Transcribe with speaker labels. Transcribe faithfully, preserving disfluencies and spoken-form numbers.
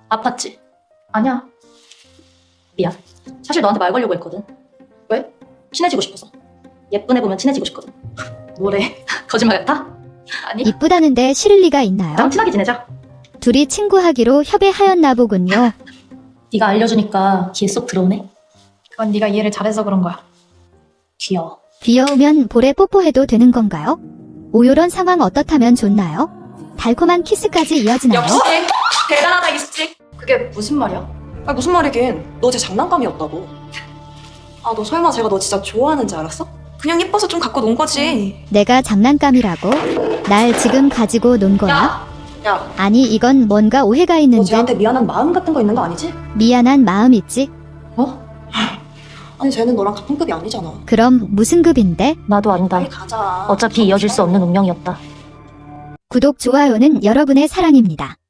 Speaker 1: 아팠지? 아니야. 미안. 사실 너한테 말 걸려고 했거든. 왜? 친해지고 싶어서. 예쁜 애 보면 친해지고 싶거든. 뭐래? 거짓말 같아? 아니.
Speaker 2: 이쁘다는데 싫을 리가 있나요?
Speaker 1: 나랑 친하게 지내자.
Speaker 2: 둘이 친구하기로 협의하였나 보군요.
Speaker 1: 네가 알려주니까 귀에 쏙 들어오네.
Speaker 3: 그건 네가 이해를 잘해서 그런 거야.
Speaker 1: 귀여워.
Speaker 2: 귀여우면 볼에 뽀뽀해도 되는 건가요? 오요런 상황 어떻다면 좋나요? 달콤한 키스까지 이어지나요?
Speaker 1: 대단하다 이수지.
Speaker 3: 그게 무슨 말이야?
Speaker 4: 아 무슨 말이긴. 너 제 장난감이었다고. 아 너 설마 제가 너 진짜 좋아하는지 알았어? 그냥 예뻐서 좀 갖고 논 거지.
Speaker 2: 내가 장난감이라고? 날 지금 가지고 논 거야?
Speaker 1: 야!
Speaker 4: 야,
Speaker 2: 아니 이건 뭔가 오해가
Speaker 4: 너
Speaker 2: 있는 듯.
Speaker 4: 쟤한테 미안한 마음 같은 거 있는 거 아니지?
Speaker 2: 미안한 마음 있지?
Speaker 4: 아니 쟤는 너랑 같은 급이 아니잖아.
Speaker 2: 그럼 무슨 급인데?
Speaker 1: 나도 안다.
Speaker 4: 빨리 가자.
Speaker 1: 어차피 이어질 수 없는 운명이었다.
Speaker 2: 구독, 좋아요는 여러분의 사랑입니다.